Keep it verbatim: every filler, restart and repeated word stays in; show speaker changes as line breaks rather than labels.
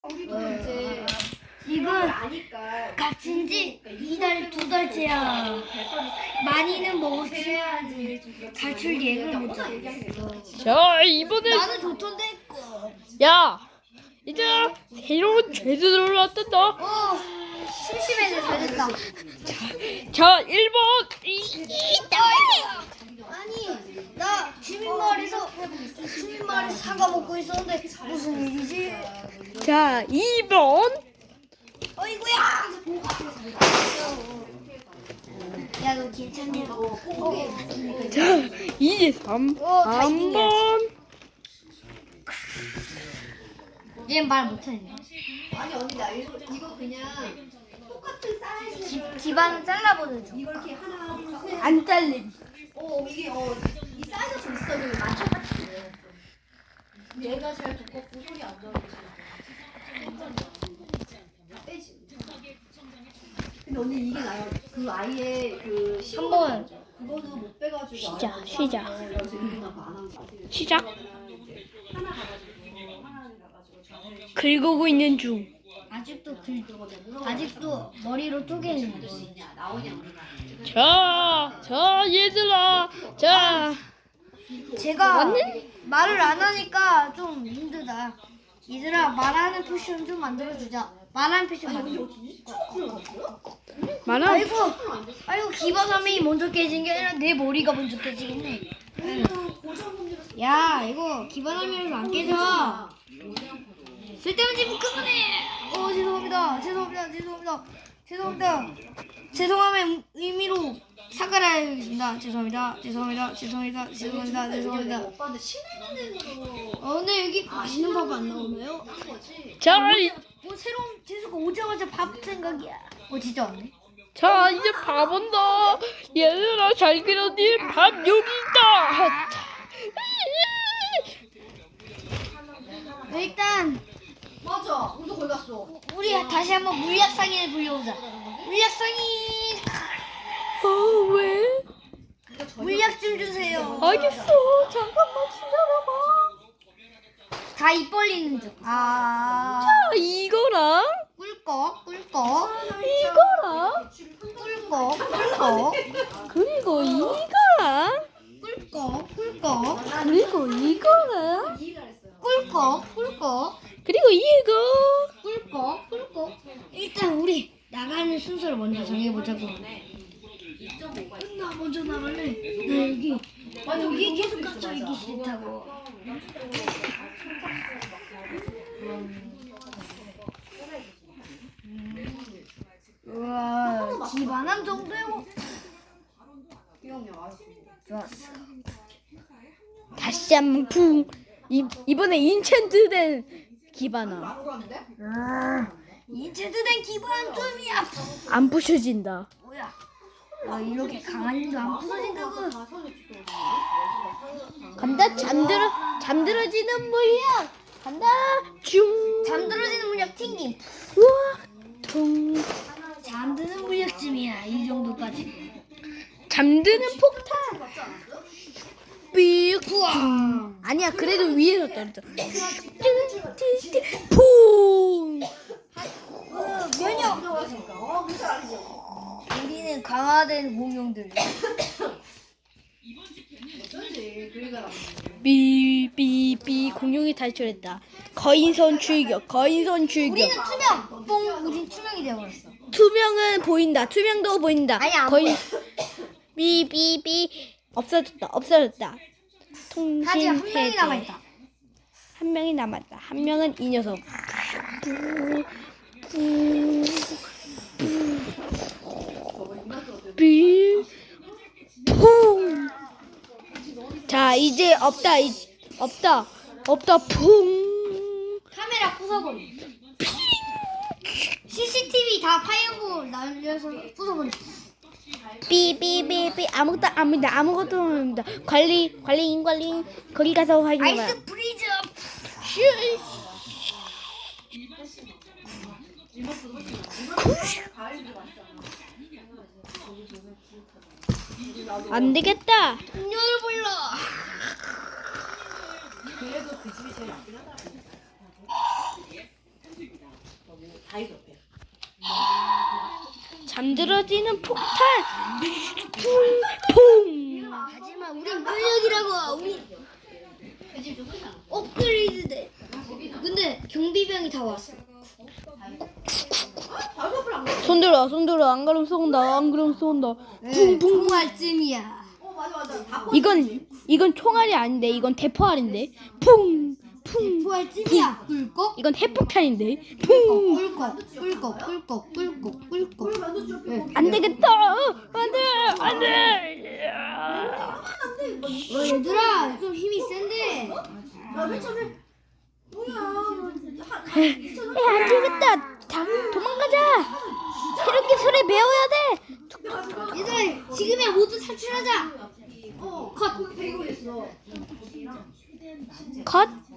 지금 갇힌 지 이달 두 달째야. 많이는 먹었지만 가출 예를 못 하겠어.
자, 이번에
나는 좋던데 했고.
야, 이제 새로운 죄들을 왔단다.
어, 심심해서 잘했다.
자, 일 번.
아니, 나 주민마을에서 주민마을에서 사과 먹고 있었는데 무슨 일이지?
자, 이 번.
어이구야! 야, 너 괜찮냐?
자, 이제 삼.
어, 다
삼
이등이야.
번.
얘말 못하네.
아니 언니 나 이거, 이거 그냥 똑같은 사이즈
집안은 잘라보는 중.
이걸 이렇게 하나 둘셋
안 잘림.
어 이게 어이 사이즈가 좀 있어 좀 맞춰가지고 얘가 제일 두껍고 소리 안 들어가지고 빼지. 근데 언니 이게 나요. 그 아이의 그
한 번.
그거는 못 빼가지고
시작,
안
시작.
하고 그래서 이거 나안 하는 거 같아요.
시작.
하나 가가지고 하나 가가지고 저는
긁고 있는 중.
아직도 글, 아직도 머리로 쪼개는 거.
있냐 나오냐 우리가.
자, 자, 얘들아. 자,
제가
맞네?
말을 안 하니까 좀 힘들다. 얘들아, 말하는 포션 좀 만들어주자. 말하는 포션 만들어.
많아.
아이고, 아이고 기반함이 먼저 깨진 게 아니라 내 머리가 먼저 깨지겠네. 야, 이거 기반함이라서 안 깨져. 쓸데없는 짓 그만해. 어, 죄송합니다. 죄송합니다. 죄송합니다. 죄송합니다. 죄송함의 의미로 사과하겠습니다. 죄송합니다. 죄송합니다. 죄송합니다. 죄송합니다. 죄송합니다.
오빠한테 친해지는 데로
어, 근데 여기 맛있는 밥 안 나오나요?
한 거지.
자, 이-
뭐 새로운 재수가 오자마자 밥 생각이야. 어, 진짜 왔네.
자, 이제 밥 온다. 얘들아, 잘 그렸니? 밥 여기 있다.
일단
맞아. 우리도 거기 갔어.
우리 다시 한번 물약상인을 불려보자. 물약상인,
어, 왜?
물약 좀 주세요.
알겠어. 잠깐만 기다려봐.
다 입 벌리는 중. 아,
자, 이거랑
꿀꺽, 꿀꺽,
이거랑
꿀꺽, 꿀꺽,
그리고 이거랑
꿀꺽, 꿀꺽,
그리고 이거랑
꿀꺽, 꿀꺽,
그리고 이거.
꿀꺽, 꿀꺽. 일단 우리 나가는 순서를 먼저 정해보자고. 나 먼저 나갈래. 나 여기, 나 여기 계속 갇혀 있기 싫다고. 우와, 기반함 정도요? 좋았어.
다시 한번 쿵. 이 이번에 인챈트된 기반함.
인체드된 기반 좀이야.
안 부셔진다.
뭐야? 아, 이렇게 강한 힘도 안 부서진다고?
간다. 잠들어 잠들어지는 물약. 간다. 중.
잠들어지는 물약 튕김.
우와. 통.
잠드는 물약쯤이야. 이 정도까지.
잠드는 폭탄. 삐.
우와.
아니야. 그래도 위에서 떨어져. 퐁.
어, 면역.
어, 그래서 알죠.
우리는 강화된 공룡들.
어쩐지 그리가
삐삐삐 공룡이 탈출했다. 거인선 출격. 거인선 출격.
우리는 투명. 뽕. 우린 투명이 되어버렸어.
투명은 보인다. 투명도 보인다.
아니, 안
거인.
보여.
삐삐삐 없어졌다. 없어졌다. 통신
하지만 한 명이
해제.
남아있다.
한 명이 남았다. 한 명은 이 녀석. 삐. 퐁. 자, 이제 없다. 이, 없다. 없다. 퐁.
카메라 부숴버리. 씨씨티비 다 파이어볼 날려서 부숴버리.
삐삐삐삐 아무것도 아무것도 아무것도 없습니다. 관리 관리인 관리 거기 가서 확인해봐.
아이스 프리즈.
안 되겠다.
음료를 불러.
그래도 그 집이 제일 낫긴 하다. 다 있어 옆에.
잠들어지는 폭탄. 퐁.
하지만 우린 면역이라고. 우리 업그레이드 돼. 근데 경비병이 다 왔어.
바로 옆을 안 가.
손들어 손들어 안 그러면 쏜다 안 그러면 쏜다.
붕붕 총알쯤이야.
어 맞아 맞아. 다
이건 이건 총알이 아닌데 이건 대포알인데. 퐁. 풍.
총알쯤이야. 꿀꺽
이건 핵폭탄인데. 풍.
꿀꺽 꿀꺽 꿀꺽 꿀꺽 꿀꺽.
만두 줄
네.
안 되겠다. 안 돼. 안 돼.
어, 얘들아 좀 힘이 센데.
야맨 처음에 뭐야? 한
야, 안 되겠다. 다, 도망가자. 이렇게 소리 배워야 돼.
얘들아 지금이야 모두 탈출하자.
어, 컷. 배고 있어.
컷.